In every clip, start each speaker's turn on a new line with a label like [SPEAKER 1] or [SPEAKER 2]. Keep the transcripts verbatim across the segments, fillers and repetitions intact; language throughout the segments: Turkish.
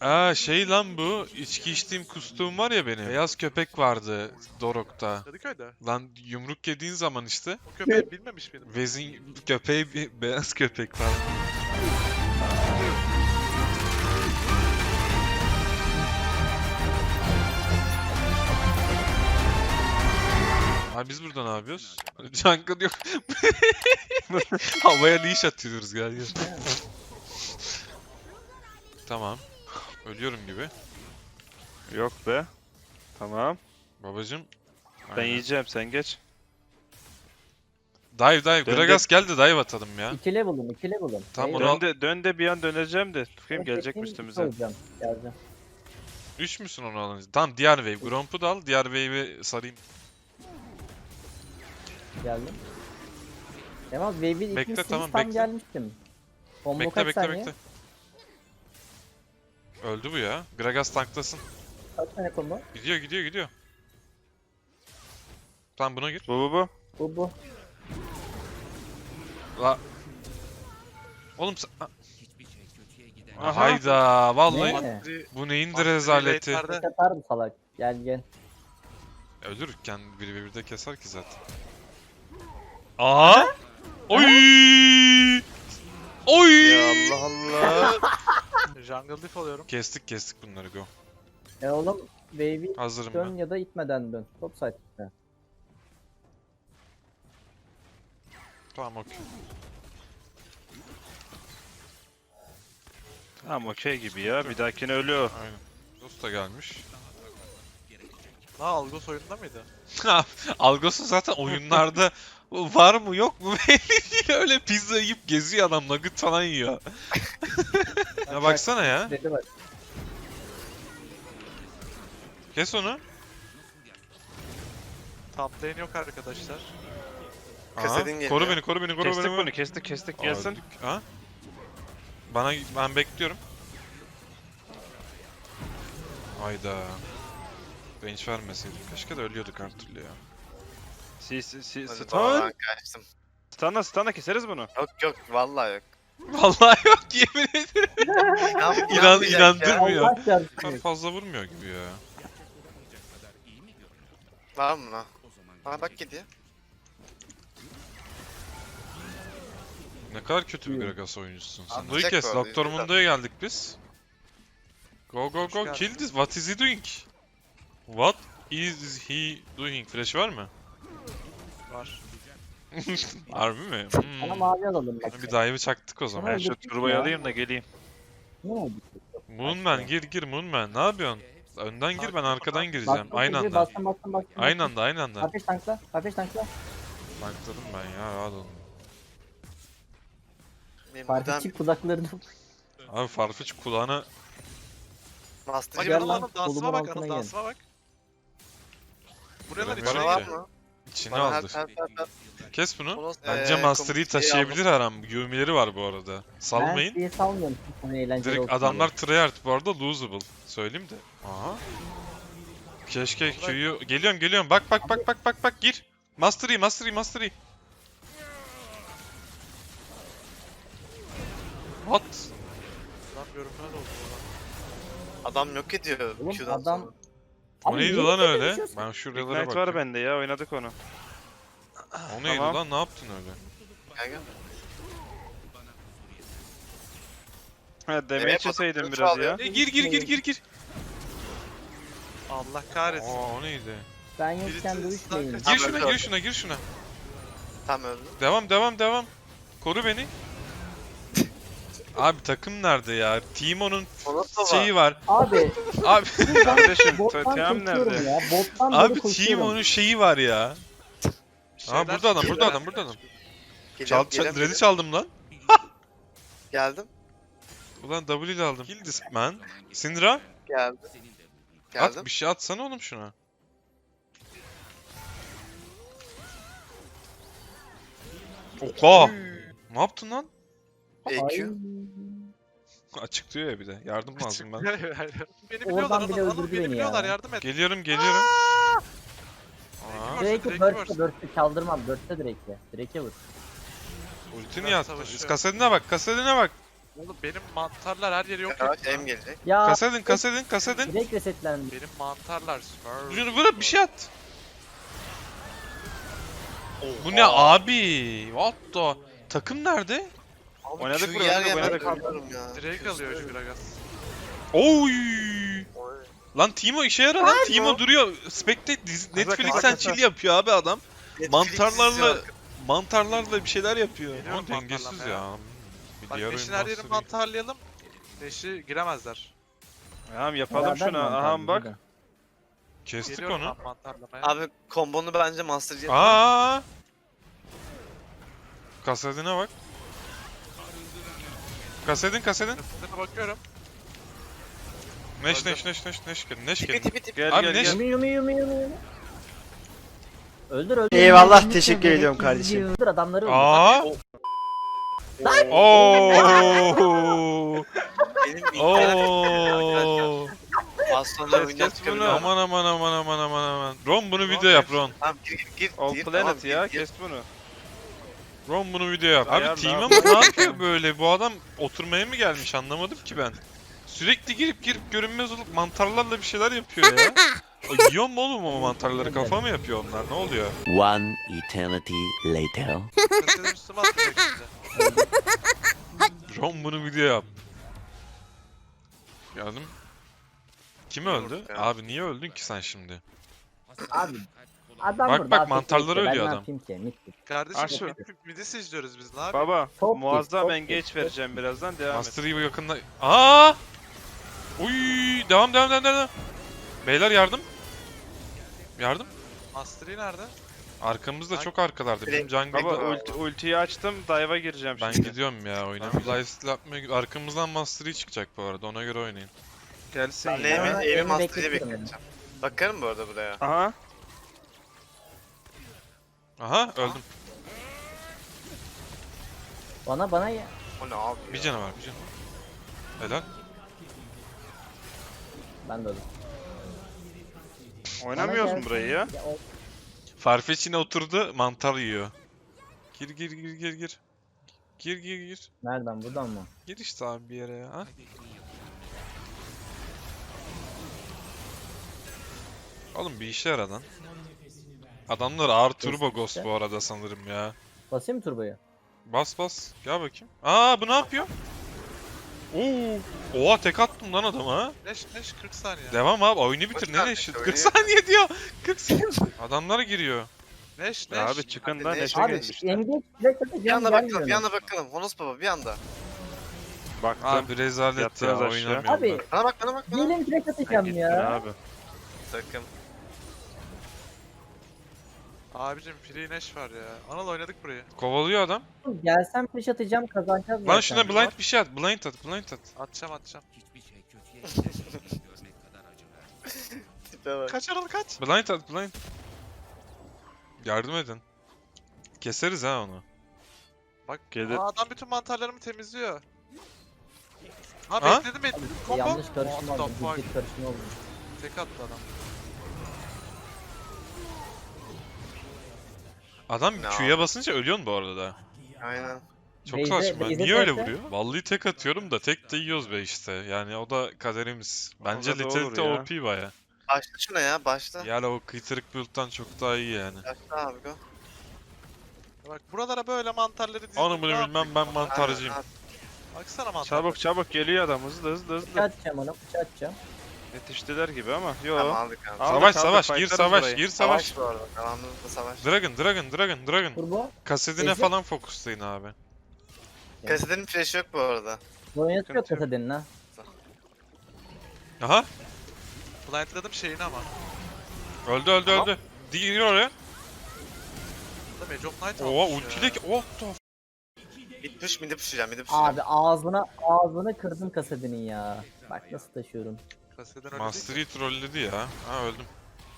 [SPEAKER 1] Aa şey lan bu. İçki içtiğim kustuğum var ya benim. Beyaz köpek vardı Dorok'ta.
[SPEAKER 2] Kadıköy'de.
[SPEAKER 1] Lan yumruk yediğin zaman işte.
[SPEAKER 2] O köpeği bilmemiş miydim?
[SPEAKER 1] Vezin köpeği bir beyaz köpek var. Abi biz burada ne yapıyoruz? Jungle yok. Havaya leash atıyoruz gel gel. Tamam. Ölüyorum gibi.
[SPEAKER 3] Yok be. Tamam.
[SPEAKER 1] Babacım.
[SPEAKER 3] Ben
[SPEAKER 1] Aynen.
[SPEAKER 3] yiyeceğim, sen geç.
[SPEAKER 1] Dive dive.
[SPEAKER 3] Dön
[SPEAKER 1] Gragas geldi dive atalım ya.
[SPEAKER 4] İki level'ım, iki level'ım.
[SPEAKER 1] Tamam,
[SPEAKER 4] Hayır,
[SPEAKER 1] onu al-
[SPEAKER 3] Dön de, dön de bir an döneceğim de. Bakayım
[SPEAKER 4] evet,
[SPEAKER 3] gelecek
[SPEAKER 4] bekleyeyim,
[SPEAKER 3] üstümüze.
[SPEAKER 4] iki olacağım. Geleceğim.
[SPEAKER 1] üç müsün onu alınca? Tamam diğer wave. Gromp'u da al. Diğer wave'i sarayım.
[SPEAKER 4] Geldim. Kemal Wave'in
[SPEAKER 1] Bekle,
[SPEAKER 4] ikincisini
[SPEAKER 1] tamam,
[SPEAKER 4] tam
[SPEAKER 1] bekle.
[SPEAKER 4] gelmiştim. Combo
[SPEAKER 1] Bekle
[SPEAKER 4] kaç
[SPEAKER 1] bekle
[SPEAKER 4] saniye?
[SPEAKER 1] bekle. Öldü bu ya. Gragas tanklasın.
[SPEAKER 4] Kaç saniye combo?
[SPEAKER 1] Gidiyor gidiyor gidiyor. Tamam buna gir.
[SPEAKER 3] Bu bu bu.
[SPEAKER 4] Bu bu.
[SPEAKER 1] La. Oğlum sen... Ha-
[SPEAKER 3] Aha.
[SPEAKER 1] Hayda vallahi
[SPEAKER 4] Ne?
[SPEAKER 1] bu neyindir
[SPEAKER 2] Mastery
[SPEAKER 1] rezaleti.
[SPEAKER 2] late'lerde-
[SPEAKER 4] Kaç atar mı salak? Gel gel.
[SPEAKER 1] Ölürken biri bir de keser ki zaten. Aa! Oy! Oy!
[SPEAKER 3] Ya Allah Allah.
[SPEAKER 2] Jungle diff alıyorum.
[SPEAKER 1] Kestik kestik bunları go.
[SPEAKER 4] E oğlum Wave'i
[SPEAKER 1] Hazırım
[SPEAKER 4] dön
[SPEAKER 1] ben.
[SPEAKER 4] ya da itmeden dön. Top site'de.
[SPEAKER 1] Tamam okey.
[SPEAKER 3] Tamam okey gibi ya. Bir dahakine ölüyor.
[SPEAKER 1] Aynen. Dost da gelmiş.
[SPEAKER 2] Ha Algos oyunda mıydı?
[SPEAKER 1] Algosu zaten oyunlarda var mı yok mu belli değil. Öyle pizza yiyip geziyor adam, nugget falan yiyor. Ya baksana ya.
[SPEAKER 4] Dedi bak.
[SPEAKER 1] Kes onu.
[SPEAKER 2] Top lane yok arkadaşlar.
[SPEAKER 1] Aha,
[SPEAKER 5] Kasedin geliyor.
[SPEAKER 1] koru beni koru beni koru
[SPEAKER 3] Kestik
[SPEAKER 1] beni.
[SPEAKER 3] bunu, kestik kestik gelsin.
[SPEAKER 1] Öldük. Ha? Bana ben bekliyorum. Hayda. Range vermeseydim. Keşke de ölüyorduk her türlü ya.
[SPEAKER 3] Si si si
[SPEAKER 5] Hadi
[SPEAKER 3] stun.
[SPEAKER 5] baba, ben kaçtım.
[SPEAKER 3] Stun'la stun'la keseriz bunu.
[SPEAKER 5] Yok yok vallahi yok.
[SPEAKER 1] Vallahi yok yemin ederim.
[SPEAKER 5] İnan,
[SPEAKER 1] İnan,
[SPEAKER 5] inanmayacak ya.
[SPEAKER 1] inandırmıyor.
[SPEAKER 4] Allah
[SPEAKER 1] Çok
[SPEAKER 4] çarpsın.
[SPEAKER 1] fazla vurmuyor gibi ya.
[SPEAKER 5] Var mı lan? Aa bak gidiyor.
[SPEAKER 1] Ne kadar kötü bir
[SPEAKER 4] Buyurun.
[SPEAKER 1] Gragas oyuncusun sen.
[SPEAKER 5] Atacak
[SPEAKER 1] Duyu kes.
[SPEAKER 5] bu arada,
[SPEAKER 1] Doktor
[SPEAKER 5] yüzde
[SPEAKER 1] Mundo'ya geldik biz. Go go
[SPEAKER 2] Hoş
[SPEAKER 1] go
[SPEAKER 2] geldin.
[SPEAKER 1] kill this. What is he doing? What is he doing? Flash var mı?
[SPEAKER 2] Var.
[SPEAKER 1] Harbi mi?
[SPEAKER 4] Bana
[SPEAKER 1] Hmm.
[SPEAKER 4] mavi alalım bak.
[SPEAKER 1] Bir dive'ı çaktık o zaman.
[SPEAKER 3] Ben şu turbayı alayım da geleyim.
[SPEAKER 4] Ne oldu?
[SPEAKER 1] Moonman gir gir Moonman. Ne yapıyorsun? Önden gir, ben arkadan gireceğim.
[SPEAKER 4] Bastım
[SPEAKER 1] Aynı
[SPEAKER 4] çocuğu,
[SPEAKER 1] anda.
[SPEAKER 4] Bastım bastım bastım.
[SPEAKER 1] Aynı anda aynı anda.
[SPEAKER 4] Ateş tankla. Ateş tankla.
[SPEAKER 1] Bankladım ben ya, rahat olun.
[SPEAKER 5] Benim buradan
[SPEAKER 4] Farkı kulaklarını.
[SPEAKER 1] Abi Farfetch kulağına...
[SPEAKER 5] master
[SPEAKER 2] Bak
[SPEAKER 4] Gel
[SPEAKER 2] Anıl
[SPEAKER 4] lan,
[SPEAKER 2] Anıl dansıma
[SPEAKER 4] kolumun
[SPEAKER 2] bak
[SPEAKER 4] altına
[SPEAKER 2] Anıl
[SPEAKER 4] gel.
[SPEAKER 2] dansıma bak. Buraya lan
[SPEAKER 1] Bana
[SPEAKER 2] içeri
[SPEAKER 5] Bana var
[SPEAKER 2] gir.
[SPEAKER 5] mı?
[SPEAKER 1] içine
[SPEAKER 5] Bana her
[SPEAKER 1] aldı.
[SPEAKER 5] her her her.
[SPEAKER 1] Kes bunu.
[SPEAKER 5] Bunu,
[SPEAKER 1] Bence
[SPEAKER 5] eee,
[SPEAKER 1] Mastery'i
[SPEAKER 5] komutayı
[SPEAKER 1] taşıyabilir her an. Yumileri var bu arada.
[SPEAKER 4] Ben
[SPEAKER 1] Salmayın.
[SPEAKER 4] diye salmıyorum. Hani eğlenceli
[SPEAKER 1] Direkt
[SPEAKER 4] olsun
[SPEAKER 1] adamlar tryhard bu arada, losable. Söyleyeyim de. Aha. Keşke Q'yu... Geliyorum geliyorum. Bak bak bak bak bak bak gir. Mastery Mastery Mastery. What?
[SPEAKER 2] Lan görünmez oldu ulan.
[SPEAKER 5] Adam yok ediyor.
[SPEAKER 4] Oğlum,
[SPEAKER 5] Q'dan
[SPEAKER 4] adam-
[SPEAKER 5] sonra.
[SPEAKER 1] O
[SPEAKER 4] Abi
[SPEAKER 1] neydi
[SPEAKER 4] niye
[SPEAKER 1] lan
[SPEAKER 4] böyle
[SPEAKER 1] öyle?
[SPEAKER 4] konuşuyorsun?
[SPEAKER 1] Ben şuralara
[SPEAKER 3] Ignite var
[SPEAKER 1] bakayım.
[SPEAKER 3] bende ya, oynadık onu.
[SPEAKER 1] O neydi
[SPEAKER 3] Tamam.
[SPEAKER 1] lan? Ne yaptın öyle?
[SPEAKER 5] Gel gel.
[SPEAKER 3] Ha demeye
[SPEAKER 5] Evet,
[SPEAKER 3] çeseydim
[SPEAKER 5] bakın,
[SPEAKER 3] biraz
[SPEAKER 5] çalıyor.
[SPEAKER 3] ya.
[SPEAKER 1] E, gir gir gir gir gir.
[SPEAKER 2] Allah kahretsin.
[SPEAKER 1] Aa o neydi?
[SPEAKER 4] Ben yokken
[SPEAKER 2] Birisi
[SPEAKER 4] dövüşmeyin.
[SPEAKER 2] zaten-
[SPEAKER 1] Gir
[SPEAKER 5] Tamam,
[SPEAKER 1] şuna
[SPEAKER 5] öldü.
[SPEAKER 1] gir şuna gir şuna.
[SPEAKER 5] Tam öldü.
[SPEAKER 1] Devam devam devam. Koru beni. Abi takım nerede ya? Timo'nun
[SPEAKER 5] O nasıl
[SPEAKER 1] şeyi var.
[SPEAKER 4] Abi
[SPEAKER 1] Abi
[SPEAKER 3] Kardeşim
[SPEAKER 4] bottan
[SPEAKER 3] Tatiam
[SPEAKER 4] koşuyorum
[SPEAKER 3] nerede?
[SPEAKER 4] ya. Bottan
[SPEAKER 1] abi
[SPEAKER 4] böyle koşuyorum.
[SPEAKER 1] Timo'nun şeyi var ya.
[SPEAKER 2] Şeyler
[SPEAKER 1] Aa burada adam,
[SPEAKER 2] çıkıyor,
[SPEAKER 1] burada adam,
[SPEAKER 2] şeyler
[SPEAKER 1] burada adam.
[SPEAKER 2] çıkıyor.
[SPEAKER 1] Çal,
[SPEAKER 5] Geliyorum,
[SPEAKER 1] çal,
[SPEAKER 5] geliyorum,
[SPEAKER 1] red'i çaldım lan.
[SPEAKER 5] Geldim.
[SPEAKER 1] Ulan W ile aldım. Kill this man. Syndra.
[SPEAKER 5] Geldim.
[SPEAKER 1] At
[SPEAKER 5] Geldim.
[SPEAKER 1] bir şey atsana oğlum şuna. Oha! Ne yaptın lan?
[SPEAKER 5] E
[SPEAKER 4] Ay.
[SPEAKER 5] Q.
[SPEAKER 1] Açık diyor ya bir de. Yardım lazım ben.
[SPEAKER 2] Beni biliyorlar
[SPEAKER 4] Oradan bile
[SPEAKER 2] Anıl, Anıl
[SPEAKER 4] öldürdü
[SPEAKER 2] beni
[SPEAKER 4] beni
[SPEAKER 2] biliyorlar
[SPEAKER 4] ya.
[SPEAKER 2] yardım et.
[SPEAKER 1] Geliyorum geliyorum. Aa,
[SPEAKER 2] Direkt-
[SPEAKER 4] Drake'i
[SPEAKER 2] Drake'i
[SPEAKER 4] burst'e
[SPEAKER 2] vursun.
[SPEAKER 4] burst'e çaldırmam. Burst'e Drake'i. Drake'e vur.
[SPEAKER 1] ultini
[SPEAKER 2] Ben
[SPEAKER 1] yattı.
[SPEAKER 2] savaşıyorum.
[SPEAKER 1] Kasetine bak, kasetine bak.
[SPEAKER 2] Oğlum benim mantarlar her yeri yok
[SPEAKER 5] Yavaş
[SPEAKER 2] etti.
[SPEAKER 5] em gelecek.
[SPEAKER 4] Ya
[SPEAKER 1] Kasedin kasedin kasedin.
[SPEAKER 4] direkt resetlendi.
[SPEAKER 2] Benim mantarlar smurf.
[SPEAKER 1] Şunu bırak bir şey at. Bu ne abi? What the? Takım nerede?
[SPEAKER 5] Abi
[SPEAKER 3] Oynadık
[SPEAKER 5] Q
[SPEAKER 3] buraya,
[SPEAKER 5] yer
[SPEAKER 3] oynadık,
[SPEAKER 5] yemez
[SPEAKER 3] oynadık.
[SPEAKER 5] kaldım ya.
[SPEAKER 2] Direkt alıyor şu Gragas.
[SPEAKER 1] Oy! Lan Timo işe yarar lan. Timo duruyor. Spectate dizi-
[SPEAKER 3] Kasa,
[SPEAKER 1] Netflix'ten
[SPEAKER 3] kasa,
[SPEAKER 1] chill
[SPEAKER 3] kasa.
[SPEAKER 1] yapıyor abi adam.
[SPEAKER 5] Netflix
[SPEAKER 1] Mantarlarla
[SPEAKER 5] izliyor.
[SPEAKER 1] mantarlarla bir şeyler yapıyor.
[SPEAKER 2] Geliyorum
[SPEAKER 1] Ama dengesiz
[SPEAKER 2] mantarlamaya.
[SPEAKER 1] ya. Bir
[SPEAKER 2] Bak
[SPEAKER 1] diğer
[SPEAKER 2] Neş'in
[SPEAKER 1] oyun
[SPEAKER 2] her yerini
[SPEAKER 1] Master Yi.
[SPEAKER 2] mantarlayalım. Neş'i giremezler.
[SPEAKER 3] Tamam yapalım
[SPEAKER 4] Beraber
[SPEAKER 3] şunu.
[SPEAKER 4] mantar
[SPEAKER 3] Aha
[SPEAKER 4] bizi
[SPEAKER 3] bak.
[SPEAKER 4] de.
[SPEAKER 1] Kestik
[SPEAKER 2] Geliyorum
[SPEAKER 1] onu.
[SPEAKER 2] ben mantarlamaya.
[SPEAKER 5] Abi kombonu bence Master Yi.
[SPEAKER 1] Aa! Kasedine bak. Kasedin kasedin.
[SPEAKER 2] Nefesine bakıyorum.
[SPEAKER 1] Neş
[SPEAKER 2] Öldüm.
[SPEAKER 1] neş neş neş neş gelin. Neş
[SPEAKER 5] Tipi
[SPEAKER 1] gelin.
[SPEAKER 5] tipi tipi.
[SPEAKER 3] Gel
[SPEAKER 1] Abi
[SPEAKER 3] gel
[SPEAKER 1] ne-
[SPEAKER 3] gel.
[SPEAKER 4] Yumi yumi yumi yumi yumi. Öldür öldür.
[SPEAKER 6] Eyvallah,
[SPEAKER 4] Öldür,
[SPEAKER 6] teşekkür
[SPEAKER 4] öldür,
[SPEAKER 6] ediyorum
[SPEAKER 4] öldür,
[SPEAKER 6] kardeşim.
[SPEAKER 4] Öldür adamları öldür.
[SPEAKER 1] Aa! Oo!
[SPEAKER 5] Benim internet arkadaşlar.
[SPEAKER 1] Oo!
[SPEAKER 5] Bastonlar
[SPEAKER 3] Kes,
[SPEAKER 5] oyundan
[SPEAKER 3] kes
[SPEAKER 5] çıkabiliyor.
[SPEAKER 3] bunu.
[SPEAKER 1] Aman aman aman aman aman aman. Ron bunu
[SPEAKER 2] Ron
[SPEAKER 1] video yap
[SPEAKER 2] kes.
[SPEAKER 1] Ron.
[SPEAKER 5] Tamam gir gir gir.
[SPEAKER 3] All
[SPEAKER 5] gir,
[SPEAKER 3] Planet
[SPEAKER 5] tamam,
[SPEAKER 3] ya,
[SPEAKER 5] gir, gir.
[SPEAKER 3] kes bunu.
[SPEAKER 1] Ron bunu video yap. Abi
[SPEAKER 3] Ayarla
[SPEAKER 1] Team'a
[SPEAKER 3] abi.
[SPEAKER 1] mı ne yapıyor böyle? Bu adam oturmaya mı gelmiş anlamadım ki ben. Sürekli girip girip görünmez olup mantarlarla bir şeyler yapıyor ya. Ay, yiyor mu oğlum o mantarları? Kafa mı yapıyor onlar? Ne oluyor?
[SPEAKER 6] One eternity later.
[SPEAKER 2] Nefesine üstüme atacak şimdi.
[SPEAKER 1] Ron bunu video yap. Geldim. Kim öldü?
[SPEAKER 5] Vurduk ya.
[SPEAKER 1] Abi niye öldün ki sen şimdi?
[SPEAKER 4] Abi. Adam
[SPEAKER 1] Bak,
[SPEAKER 4] burada
[SPEAKER 1] bak,
[SPEAKER 4] afk
[SPEAKER 1] mantarları
[SPEAKER 4] işte, ben
[SPEAKER 1] ölüyor
[SPEAKER 4] ne
[SPEAKER 1] adam.
[SPEAKER 4] yapayım ki? Mit bit.
[SPEAKER 2] Kardeşim
[SPEAKER 3] Aşağı.
[SPEAKER 2] mid- midisi izliyoruz biz ne yapayım?
[SPEAKER 3] Baba
[SPEAKER 4] Çok
[SPEAKER 3] muazzam
[SPEAKER 4] çok
[SPEAKER 3] engage
[SPEAKER 4] çok
[SPEAKER 3] vereceğim birazdan, devam et.
[SPEAKER 1] Master Yi bu yakında... Aa! Uy! Devam devam devam devam. Beyler yardım. Yardım.
[SPEAKER 2] Master Yi nerede?
[SPEAKER 1] Arkamızda
[SPEAKER 2] Ay-
[SPEAKER 1] çok arkalarda. Bizim jungle...
[SPEAKER 3] Baba
[SPEAKER 5] Baba,
[SPEAKER 3] ulti, ultiyi açtım, dive'a gireceğim
[SPEAKER 1] Ben
[SPEAKER 3] şimdi.
[SPEAKER 1] gidiyorum ya oyuna. Lifesteal yapmaya... Arkamızdan Master Yi çıkacak bu arada. Ona göre oynayın.
[SPEAKER 3] Gelsin
[SPEAKER 5] Ben de
[SPEAKER 3] ya.
[SPEAKER 4] Ama
[SPEAKER 5] evi, evi
[SPEAKER 4] elini
[SPEAKER 5] Master Yi
[SPEAKER 4] bekletiyorum
[SPEAKER 5] bekleyeceğim. Bakarım bu arada buraya.
[SPEAKER 3] Aha.
[SPEAKER 1] Aha öldüm.
[SPEAKER 4] Bana bana ya.
[SPEAKER 5] O ne abi
[SPEAKER 1] Bir
[SPEAKER 5] ya?
[SPEAKER 1] canı var bir canı var. Helal.
[SPEAKER 4] Ben de öldüm.
[SPEAKER 3] Oynamıyoruz
[SPEAKER 4] Bana
[SPEAKER 3] mu burayı ya?
[SPEAKER 4] Ya, o-
[SPEAKER 1] Farfetch yine oturdu mantar yiyor. Gir gir gir gir gir. Gir gir gir.
[SPEAKER 4] Nereden buradan mı?
[SPEAKER 1] Gir işte abi bir yere ya. Ha? Oğlum bir işe yaradan. Adamlar ağır turbo ghost bu arada sanırım ya.
[SPEAKER 4] Basayım mı turboyu?
[SPEAKER 1] Bas bas. Gel bakayım. Aa bu ne yapıyor? Oo. Oha tek attım lan adama ha.
[SPEAKER 2] Neş Neş kırk saniye.
[SPEAKER 1] Devam abi oyunu bitir
[SPEAKER 5] Kaç
[SPEAKER 1] ne
[SPEAKER 5] saniye
[SPEAKER 1] eşit?
[SPEAKER 5] oynuyor?
[SPEAKER 1] kırk saniye diyor. kırk saniye. Adamlar giriyor.
[SPEAKER 2] Neş Neş.
[SPEAKER 3] Ya abi çıkın da
[SPEAKER 5] Abi,
[SPEAKER 3] neşe
[SPEAKER 4] Abi
[SPEAKER 3] gelmişler.
[SPEAKER 4] engage direkt
[SPEAKER 5] Bir
[SPEAKER 4] atacağım
[SPEAKER 5] anda bakalım,
[SPEAKER 4] gelmiyor.
[SPEAKER 5] bir anda bakalım. Honos baba bir anda.
[SPEAKER 3] Baktım.
[SPEAKER 1] Abi rezalet ya
[SPEAKER 3] Yattınız aşağı.
[SPEAKER 1] oynamıyorum
[SPEAKER 4] Abi
[SPEAKER 1] ben.
[SPEAKER 5] Bana bak, bana bak, bana bak.
[SPEAKER 4] diyelim direkt
[SPEAKER 3] Sen
[SPEAKER 4] atacağım
[SPEAKER 3] gittin
[SPEAKER 4] ya.
[SPEAKER 3] abi.
[SPEAKER 5] Sakın.
[SPEAKER 2] Abicim free Neş var ya. Anıl oynadık burayı.
[SPEAKER 1] Kovalıyor adam.
[SPEAKER 4] Gelsem flash atacağım kazanacağız
[SPEAKER 1] Lan
[SPEAKER 4] zaten.
[SPEAKER 1] şuna blind bir şey at. Blind at. Blind at.
[SPEAKER 2] Atacağım atacağım.
[SPEAKER 5] Tipe bak.
[SPEAKER 2] Kaç Anıl kaç.
[SPEAKER 1] Blind at. Blind. Yardım edin. Keseriz ha onu.
[SPEAKER 2] Bak
[SPEAKER 3] Gelir.
[SPEAKER 2] aa, adam bütün mantarlarımı temizliyor. Ha,
[SPEAKER 1] Ha?
[SPEAKER 2] bekledim bekledim. Combo.
[SPEAKER 4] Yanlış karışım
[SPEAKER 2] What the
[SPEAKER 4] oldu.
[SPEAKER 2] fuck?
[SPEAKER 4] Ciddi karışım oldu.
[SPEAKER 2] Tek attı adam.
[SPEAKER 1] Adam
[SPEAKER 5] Ne
[SPEAKER 1] Q'ya basınca ölüyorsun bu arada da.
[SPEAKER 5] Aynen.
[SPEAKER 1] Çok
[SPEAKER 4] Beyze-
[SPEAKER 1] saçma.
[SPEAKER 4] Beyze
[SPEAKER 1] Niye öyle
[SPEAKER 4] terse-
[SPEAKER 1] vuruyor? Vallahi tek atıyorum da tek de yiyoruz be işte. Yani o da kaderimiz. Bence
[SPEAKER 3] Ona da
[SPEAKER 1] Lethality
[SPEAKER 3] olur ya.
[SPEAKER 1] O P baya.
[SPEAKER 5] Başla şuna ya, başla.
[SPEAKER 1] Yani o kıytırık build'dan çok daha iyi yani.
[SPEAKER 5] Başla abi go.
[SPEAKER 2] Bak buralara böyle mantarları dizdim.
[SPEAKER 1] Onu bunu
[SPEAKER 2] ne
[SPEAKER 1] bilmem
[SPEAKER 2] yapayım?
[SPEAKER 1] ben mantarcıyım.
[SPEAKER 5] Aynen,
[SPEAKER 2] Baksana mantar.
[SPEAKER 3] Çabuk çabuk geliyor adam, hızlı hızlı
[SPEAKER 4] Bıçağı
[SPEAKER 3] hızlı.
[SPEAKER 4] atacağım ona bıçağı atacağım.
[SPEAKER 3] Yetiştiler gibi ama yo.
[SPEAKER 5] Tamam aldık abi.
[SPEAKER 3] Aldık,
[SPEAKER 1] Savaş
[SPEAKER 3] aldık,
[SPEAKER 1] savaş gir
[SPEAKER 3] fightlarız
[SPEAKER 1] savaş
[SPEAKER 3] burayı.
[SPEAKER 1] gir savaş.
[SPEAKER 5] Savaş bu arada. Devamlılıkla savaş.
[SPEAKER 1] Dragon dragon dragon dragon.
[SPEAKER 4] Turbo.
[SPEAKER 1] Kasedine
[SPEAKER 4] Ezi.
[SPEAKER 1] falan fokuslayın abi.
[SPEAKER 5] Kasedenin flash'ı yok bu arada.
[SPEAKER 4] Boyun yok
[SPEAKER 3] Sıkıntı yok.
[SPEAKER 4] kasadenin ha.
[SPEAKER 1] Aha
[SPEAKER 2] Blindladım şeyini ama.
[SPEAKER 1] öldü öldü
[SPEAKER 2] Tamam.
[SPEAKER 1] öldü. Gir oraya.
[SPEAKER 2] Burada Mage of Night
[SPEAKER 1] Oha
[SPEAKER 2] almış
[SPEAKER 1] ultiyle
[SPEAKER 2] ya.
[SPEAKER 1] ki oh da.
[SPEAKER 5] Mid push, mid'i pushlayacağım, mid'i pushlayacağım.
[SPEAKER 4] Abi ağzına ağzını kırdım kasadenin ya. Bak nasıl taşıyorum.
[SPEAKER 2] Kaseden öyle
[SPEAKER 1] Master
[SPEAKER 2] değil
[SPEAKER 1] Yi trolledi ya. Ha öldüm.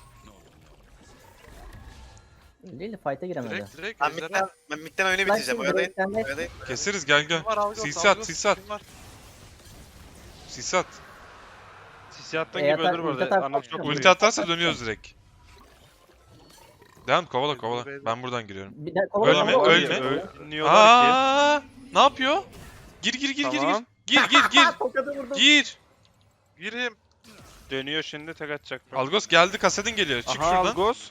[SPEAKER 4] Değil fight'a
[SPEAKER 2] ki.
[SPEAKER 4] giremedi.
[SPEAKER 2] Direkt direkt
[SPEAKER 5] Ben
[SPEAKER 2] ejderha.
[SPEAKER 5] midden, ben midden oyunu
[SPEAKER 4] Ben
[SPEAKER 5] bitireceğim.
[SPEAKER 4] şimdi
[SPEAKER 5] Oyalayın.
[SPEAKER 4] direkten de
[SPEAKER 5] Oyalayın.
[SPEAKER 1] Keseriz gel gel.
[SPEAKER 2] Kim var Algos?
[SPEAKER 1] Sis at
[SPEAKER 2] Algos,
[SPEAKER 1] sis at.
[SPEAKER 2] kim var?
[SPEAKER 1] Sis at.
[SPEAKER 3] Sisi attığın
[SPEAKER 4] E,
[SPEAKER 3] gibi
[SPEAKER 4] atar-
[SPEAKER 3] öldür bu
[SPEAKER 4] ulti
[SPEAKER 3] arada.
[SPEAKER 4] atar-
[SPEAKER 3] Anıl çok
[SPEAKER 4] Ulti
[SPEAKER 1] Ulti
[SPEAKER 3] vuruyor.
[SPEAKER 1] atarsa dönüyoruz direkt. Devam kovala kovala. Ben buradan giriyorum.
[SPEAKER 4] bir de kovala
[SPEAKER 1] Ölme,
[SPEAKER 4] kovala,
[SPEAKER 1] ölme.
[SPEAKER 4] kovala.
[SPEAKER 3] Öl- Ölmüyorlar ki.
[SPEAKER 1] Aa, ne yapıyor? Gir gir gir gir
[SPEAKER 3] Tamam.
[SPEAKER 1] gir. Gir gir gir.
[SPEAKER 4] Tokadı vurdum.
[SPEAKER 1] Gir.
[SPEAKER 2] Gireyim.
[SPEAKER 3] Dönüyor şimdi tek atacak.
[SPEAKER 1] Algos geldi, kasedin geliyor. Çık
[SPEAKER 3] Aha
[SPEAKER 1] şuradan.
[SPEAKER 3] Algos.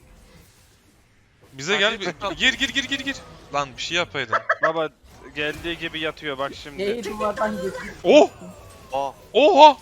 [SPEAKER 1] Bize gel. bir- Gir gir gir gir gir. Lan bir şey yapaydın.
[SPEAKER 3] Baba geldiği gibi yatıyor bak şimdi.
[SPEAKER 4] Y'yi duvardan geçti.
[SPEAKER 1] Oh!
[SPEAKER 5] Oh.
[SPEAKER 1] Oha!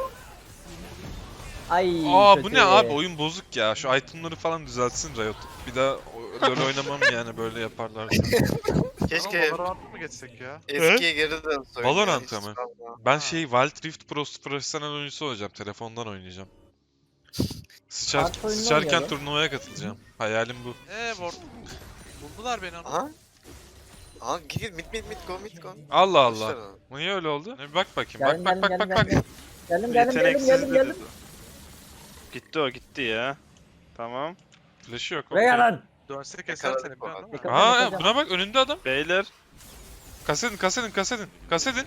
[SPEAKER 4] Ay
[SPEAKER 1] Aa bu
[SPEAKER 4] kötü.
[SPEAKER 1] ne abi, oyun bozuk ya. Şu itemları falan düzeltsin Riot. Bir daha o- LoL oynamam yani böyle yaparlarsa.
[SPEAKER 5] Keşke
[SPEAKER 2] Ama Valorant'a mı geçsek ya?
[SPEAKER 5] eskiye geri dönse oyun ya,
[SPEAKER 1] Valorant'a
[SPEAKER 5] hiç
[SPEAKER 1] mı?
[SPEAKER 5] kalma.
[SPEAKER 1] Ben
[SPEAKER 2] Ha.
[SPEAKER 1] şey Wild Rift Pro profesyonel oyuncusu olacağım. Telefondan oynayacağım. Sıçar,
[SPEAKER 4] Kart oyunu
[SPEAKER 1] sıçarken
[SPEAKER 4] oynayalım.
[SPEAKER 1] turnuvaya katılacağım. Hayalim bu.
[SPEAKER 2] Eee ward. Buldular beni ama.
[SPEAKER 5] Aha. Aha git git mid mid mid go mid go.
[SPEAKER 1] Allah
[SPEAKER 5] Boşver
[SPEAKER 1] Allah.
[SPEAKER 5] onu.
[SPEAKER 1] Niye öyle oldu? Ne, bak bakayım.
[SPEAKER 4] Geldim
[SPEAKER 1] Bak
[SPEAKER 4] geldim
[SPEAKER 1] bak bak
[SPEAKER 4] geldim
[SPEAKER 1] bak bak.
[SPEAKER 4] geldim. Geldim geldim geldim geldim
[SPEAKER 3] Yeteneksizdi
[SPEAKER 4] geldim.
[SPEAKER 3] dedi. Gitti o gitti ya. Tamam.
[SPEAKER 1] Flash'ı yok.
[SPEAKER 4] Buraya
[SPEAKER 1] okey.
[SPEAKER 4] lan.
[SPEAKER 2] Dönse keser
[SPEAKER 5] Yakaladık
[SPEAKER 2] seni
[SPEAKER 5] bu
[SPEAKER 2] biliyorsun
[SPEAKER 5] arada.
[SPEAKER 2] değil mi?
[SPEAKER 1] Aa
[SPEAKER 4] Yakaladım.
[SPEAKER 1] buna bak, önünde adam.
[SPEAKER 3] Beyler.
[SPEAKER 1] Kasedin kasedin kasedin. Kasedin.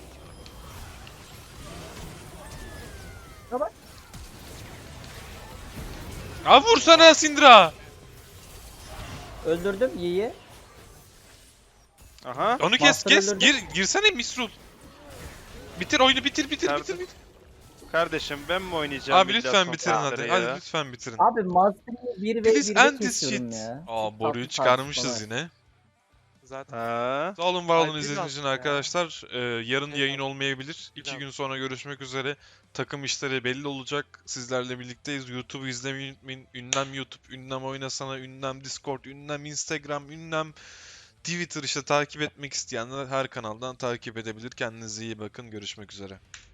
[SPEAKER 4] Baba.
[SPEAKER 1] Aa vursana Syndra.
[SPEAKER 4] Öldürdüm Yi'yi.
[SPEAKER 3] Aha.
[SPEAKER 1] Onu kes
[SPEAKER 4] Master
[SPEAKER 1] kes.
[SPEAKER 4] öldürdü.
[SPEAKER 1] Gir girsene Misrul. Bitir oyunu, bitir bitir
[SPEAKER 3] Nerede?
[SPEAKER 1] bitir bitir.
[SPEAKER 3] Kardeşim ben mi oynayacağım?
[SPEAKER 1] Abi
[SPEAKER 3] millet
[SPEAKER 1] lütfen bitirin hadi.
[SPEAKER 3] sohbetleri
[SPEAKER 1] Hadi
[SPEAKER 3] ya?
[SPEAKER 1] lütfen bitirin.
[SPEAKER 4] Abi Master'ı bir ve
[SPEAKER 1] Please
[SPEAKER 4] bir
[SPEAKER 1] end
[SPEAKER 4] ve
[SPEAKER 1] this
[SPEAKER 4] kesiyorum
[SPEAKER 1] shit.
[SPEAKER 4] ya.
[SPEAKER 1] Aa boruyu
[SPEAKER 4] Tatlı
[SPEAKER 1] çıkarmışız
[SPEAKER 4] tartışmalar.
[SPEAKER 1] yine.
[SPEAKER 2] Zaten.
[SPEAKER 3] Ha.
[SPEAKER 1] Sağ olun var olun
[SPEAKER 2] Ay,
[SPEAKER 1] izlediğiniz için
[SPEAKER 2] biraz ya.
[SPEAKER 1] arkadaşlar. Ee, yarın
[SPEAKER 2] Eyvallah.
[SPEAKER 1] yayın olmayabilir. İki
[SPEAKER 2] Biraz.
[SPEAKER 1] gün sonra görüşmek üzere. Takım işleri belli olacak. Sizlerle birlikteyiz. YouTube'u izlemeyi unutmayın. Ünlem YouTube, ünlem Oynasana, ünlem Discord, ünlem Instagram, ünlem Twitter, işte takip etmek isteyenler her kanaldan takip edebilir. Kendinize iyi bakın. Görüşmek üzere.